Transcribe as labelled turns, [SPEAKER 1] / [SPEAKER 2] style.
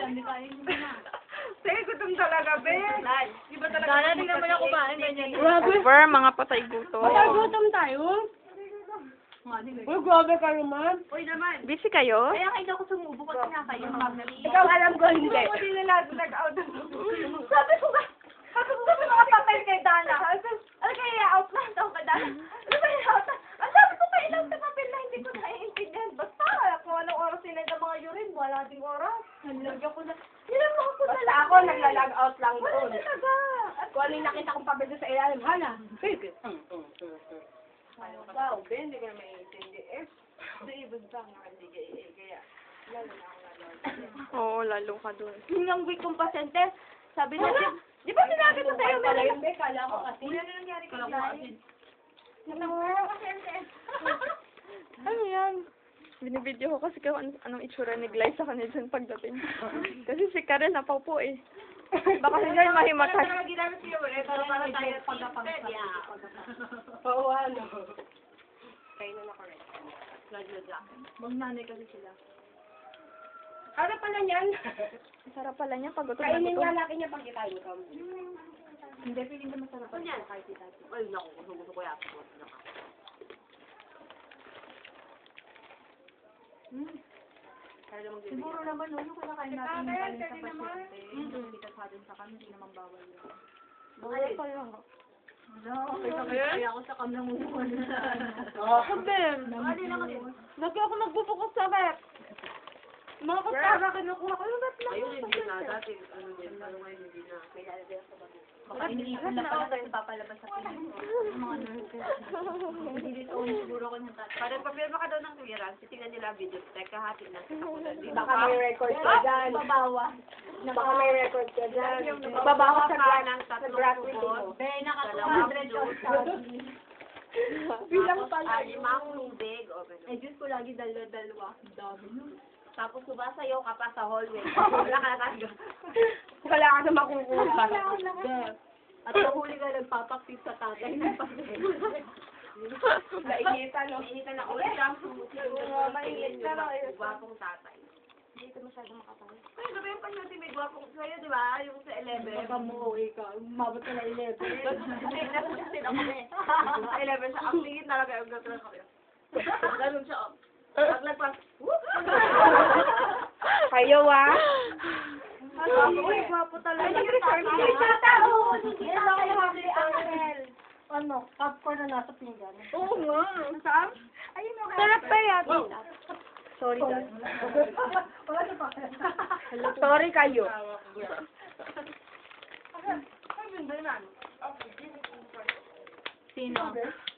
[SPEAKER 1] Hindi kain mo na.
[SPEAKER 2] Sige, gutom talaga, be. Di ba talaga?
[SPEAKER 1] Darating naman ako kumain, ganyan.
[SPEAKER 3] Over, mga patay gutom.
[SPEAKER 2] Gutom tayo? Uy, grabe ka naman. Uy naman.
[SPEAKER 3] Busy kayo?
[SPEAKER 1] Kaya kayo ako sumubo kasi nga kayo.
[SPEAKER 2] Ikaw alam ko hindi. Hindi na lahat nag-out. Sabi ko mga papel kay Dana. Ano kaya i-out lang daw kay Dana? Ano ba i-out? Ang sabi ko pa ilang sa papel na hindi ko naiintindihan. Basta, kung anong oras sila ng mga urine, wala ding oras. Nalagyan ko na. Nilamang ko na lang. Ako, naglalag out lang doon. Talaga. At kung ano yung nakita kong papel doon sa ilalim, hala. Wow, Ben, hindi ko na maiintindi. Sa ibon pa nga, hindi kaya. Lalo na ako nalala.
[SPEAKER 3] Oo, lalo ka dun.
[SPEAKER 1] Yung week kong pasyente, sabi niya,
[SPEAKER 2] Di ba sinabi ko sa'yo, meron na kala ko kasi. Ano nangyari kay Dahil?
[SPEAKER 3] Ano yan? Binibideo ko kasi kung anong itsura ni Gly sa kanila dyan pagdating. Kasi si Karen napaupo eh. Baka si Gly mahimatay.
[SPEAKER 2] Ano ginamit ko ulit? Para tayo pagkapangkat. Oo, ano. Kayo na na-correct.
[SPEAKER 1] Magnanay kasi sila.
[SPEAKER 2] Ano pala niyan?
[SPEAKER 3] Sarap pala niya pag gutom na
[SPEAKER 2] Kainin
[SPEAKER 3] gutom.
[SPEAKER 2] nga laki niya pag kikain ko.
[SPEAKER 1] Hindi, feeling ko masarap pa niya kahit ito.
[SPEAKER 2] Ay, naku, gusto ko yata po.
[SPEAKER 1] Siguro naman, no, yung kinakain natin yung kanin sa pasyente, yung kita sa atin sa kami, hindi naman bawal yun.
[SPEAKER 3] Bawal pa lang.
[SPEAKER 1] Kaya ako sa kamlang muna.
[SPEAKER 3] Sabi, lagi ako nagbubukas sa rep. Mga kasama kinukuha ko yung rep lang.
[SPEAKER 2] Ayun, hindi na. Dati, ano yun, ano ngayon, hindi na.
[SPEAKER 1] Baka iniipon na pala kasi papalabas sa pinig. Yung mga nurses. Hindi siguro ko ng tatay.
[SPEAKER 2] Parang papirma ka daw ng clearance, titingnan nila ang video. Teka, hatid na.
[SPEAKER 4] Baka may record ka dyan.
[SPEAKER 1] Babawa.
[SPEAKER 4] Baka may record ka dyan.
[SPEAKER 2] Babawa
[SPEAKER 4] sa
[SPEAKER 2] ka
[SPEAKER 4] black,
[SPEAKER 2] ng
[SPEAKER 4] sa
[SPEAKER 2] tatlong
[SPEAKER 4] black
[SPEAKER 2] tubod.
[SPEAKER 4] video.
[SPEAKER 1] Be, naka
[SPEAKER 2] Dalawang
[SPEAKER 1] 200
[SPEAKER 2] juice.
[SPEAKER 1] sabi.
[SPEAKER 4] Bilang pala.
[SPEAKER 2] Limang tubig. O, ganun.
[SPEAKER 1] Eh, Diyos ko lagi dalawa. Dami nun.
[SPEAKER 2] Tapos sumasayaw ka pa sa hallway. Wala ka na.
[SPEAKER 4] Wala ka na makukuha.
[SPEAKER 1] Be, at nahuli ka nagpapaktis sa tatay ng papel.
[SPEAKER 4] Nainitan, no?
[SPEAKER 2] Initan na ulit ang susunod. Mainit ka lang. Gwapong tatay.
[SPEAKER 1] Hindi ito masyado makapal.
[SPEAKER 2] Ay, diba yung pasyente may gwapong sa'yo, di ba? Yung sa 11.
[SPEAKER 1] Baka mo, ikaw. Umabot ka na 11.
[SPEAKER 2] Hindi, nasusin ako eh. Sa 11 siya. Ang tingin talaga yung gagawin ko. Ganun siya. Paglagpas.
[SPEAKER 4] Kayo, ah.
[SPEAKER 2] Uy, gwapo talaga.
[SPEAKER 4] Ay, tatao!
[SPEAKER 1] Ano kayo habli, Angel? Ano? Popcorn na nasa pinggan.
[SPEAKER 2] Oo nga. Saan?
[SPEAKER 1] Ayun mo
[SPEAKER 3] Sarap pa yan.
[SPEAKER 4] Sorry, Dad.
[SPEAKER 1] Wala na pa.
[SPEAKER 4] Sorry kayo.
[SPEAKER 1] Sino?